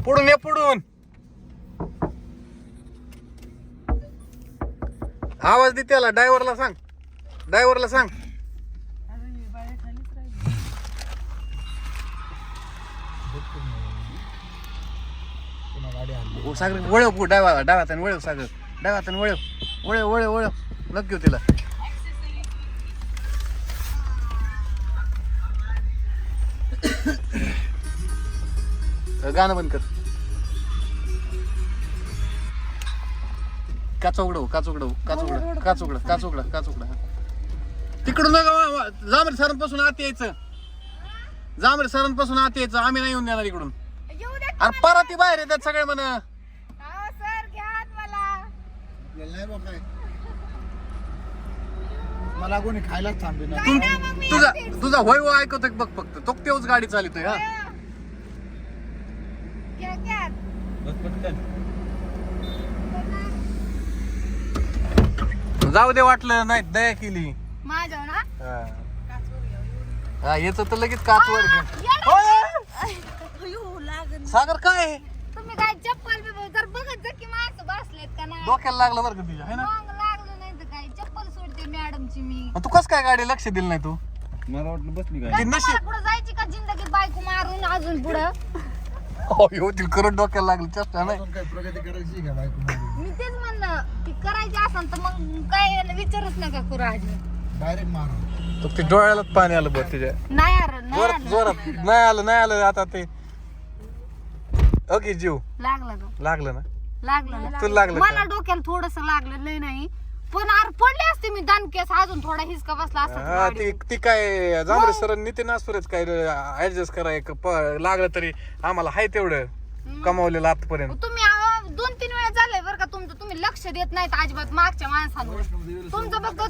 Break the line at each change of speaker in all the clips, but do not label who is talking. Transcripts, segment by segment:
पुढून ये पुढून. आवाज दे त्याला. ड्रायव्हरला सांग. ड्रायव्हरला सांग. सागर वळव डाव्यात वळव. सागर डाव्यात वळव. वळव वळव वळव. नक्की तिला. गाणं बंद कर. काच उघडव. तिकडून जांभरे सरांपासून आत यायचं. आम्ही नाही येऊन देणार इकडून. अरे परत बाहेर येतात सगळे म्हण.
मला कोणी खायलाच थांबले ना.
तुझा होय हो ऐकतोय बघ फक्त. तो तेवढच गाडी चालतोय. हा जाऊ दे. वाटलं नाही दया केली
माझ्या ना.
हा याच तर लगेच काचवर घे. सागर काय
तुम्ही काय चप्पल जर बघत जा की माणसं बसलेत का नाही.
डोक्याला लागलं बरं का तुझ्या है ना.
लागलं नाही तर काय चप्पल सोडते मॅडमची मी.
तू कस काय गाडी लक्ष दिलं नाही तू.
मला वाटलं बसली
ती नशी
पुढे जायची का जिंदगीत बायको मारून अजून पुढं.
होतील करत डोक्याला लागलं. चष्टा नाही.
काय प्रगती करायची का बायको.
मी तेच म्हणलं ती करायची असेल तर मग काय विचारच नका करू आजी.
डायरेक्ट मारा.
ते डोळ्यालाच पाणी आलं बघ तुझ्या.
नाही यार नाही
जोरात
आलं.
जोरात नाही आलं आता ते. ओके जीव
लागलं का
लागलं ना.
लागलं ना.
तुला लागलं
मला
का?
डोक्याला थोडस लागलं लय नाही पण आर पडले असते मी दणकेस अजून थोडा हिसका बसला असता
हा ती काय जांभरे सर नितीन असुरेच काय ऍडजस्ट कराय लागलं तरी आम्हाला हाय तेवढं कमावलेलं आतापर्यंत.
तुम्ही 2-3 वेळा झालंय बरं का तुमचं. तुम्ही लक्ष देत नाहीत अजिबात मागच्या माणसांवर. तुमचं फक्त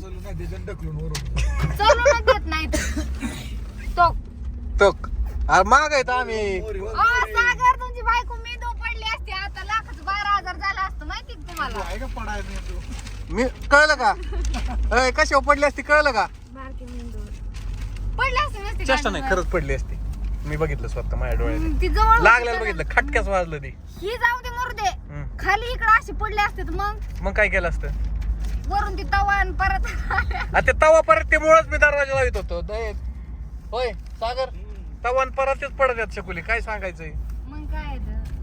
चलूनच देत नाहीत. तो
तक अरे माग आहेत आम्ही.
सागर तुमची बायको मेंदू पडली असती आता लाखाचं 12,000 झालं असतं माहिती का तुम्हाला.
मी कळलं का. कशावर पडली असती कळलं का.
पडली असती नसती
चेष्टा नाही खरंच पडली असती. मी बघितलं स्वतः माझ्या डोळ्याने.
ती जवळ
लागलेलं बघितलं. खटक्याच वाजलं ती.
ही जाऊ दे मरू दे. खाली इकडे अशी पडली असते तर
मग काय केलं असतं.
वरून ती तवा आणि परत
ते तवा परत ते मुळच मी दरवाजा लावित होतो. होय सागर तवा आणि परतच पडत आहेत शकुली. काय सांगायचंय.
मग काय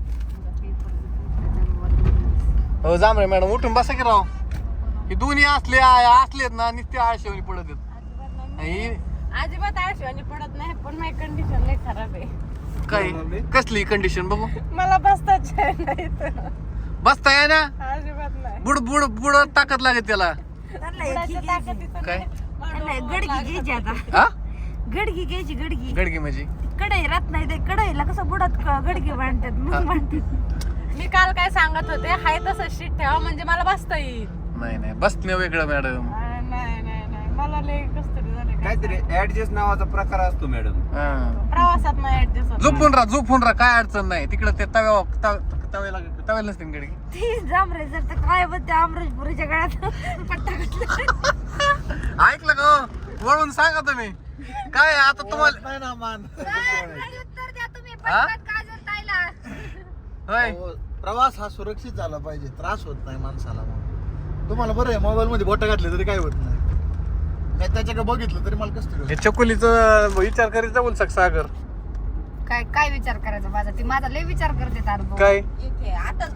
हो जांभरे मॅडम उठून बसा की राव. ही दोन्ही असलेत ना नुसते आळशेवणी पडत आहेत.
अजिबात आळशीवाणी पडत नाही पण माझी कंडिशन लई खराब आहे.
काय कसली कंडिशन बघू.
मला बसताच नाही
बसता आहे ना.
अजिबात नाही.
बुड बुड बुड ताकद लागेल त्याला.
बुडाच्या ताकदीचं
काय
गडगी घ्यायची आता.
हा
गडगी घ्यायची गडगी.
गडगी म्हणजे
कढई राहत नाही ते कढईला कसं बुडात गडगी बांधतात मग बांधतात. मी काल काय सांगत होते हाय तसं शीट ठेवा म्हणजे मला बसता येईल.
नाही बसणे वेगळं मॅडम.
नाही मला लय कसं तरी झालं.
काहीतरी ऍडजस्ट नावाचा प्रकार असतो मॅडम.
प्रवासात नाही ऍडजस्ट.
झोपून राहा काय अडचण नाही. तिकडे ते तव्याला नसते गडगी.
ती जांभरे जर तर काय बोलते अमराजपुरीच्या गळ्यात पट्टा घातला.
ऐकलं का वळून सांगा तुम्ही. काय आता तुम्हाला
नाही ना मान.
उत्तर द्या तुम्ही
हा?
पटकन काजल ताईला.
होय
प्रवास हा सुरक्षित झाला पाहिजे. त्रास होत नाही माणसाला. मग तुम्हाला बरं आहे मोबाईल मध्ये बोट घातले तरी काय होत नाही. मी त्याच्याकडे बघितलं तरी मला कसं
हे चकुलीचं विचार करीत जाऊ सागर.
काय विचार करायचा माझा. ती माझा लय विचार करते तार
काय
आताच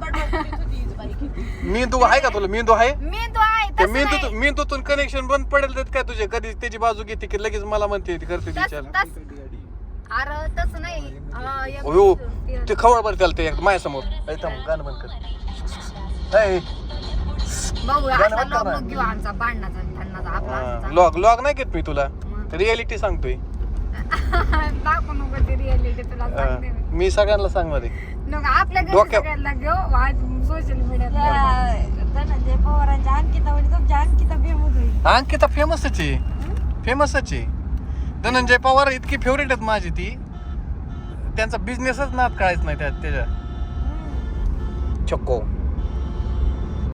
मेंदू आहे का तुला. मेंदू आहे.
मेंदू आहे
ते
तसं नाही.
मेंदूतून कनेक्शन बंद पडेल तर काय तुझे कधी त्याची बाजू घेते की लगेच मला म्हणते ती करते विचार.
अरे तसं नाही. एक
हो
ते-
ते खवळ बरं त्याला ते माझ्यासमोर. गाणं बंद कर.
भाऊ
गाणं
असा
बंद कर ना.
लॉग घेऊ आमचा भांडणाचा भांडणाचा आपला असाचा.
लॉग नाही घेत मी तुला. रियालिटी सांगतोय.
दाखवू नको ती रिअलिटी तुला सांगते मी.
मी सगळ्यांना सांगणार आहे.
नको आपल्या घरी
डोक्या-
सगळ्यांना घेऊ सोशल मीडियाला.
धनंजय पवारांच्या अंकिता म्हणजे तुमच्या अंकिता फेमस होईल.
अंकिता फेमसच आहे. धनंजय पवार इतकी फेवरेट आहेत माझी. ती त्यांचा बिझनेसच नाद काढायच नाही त्याच्या. चक्को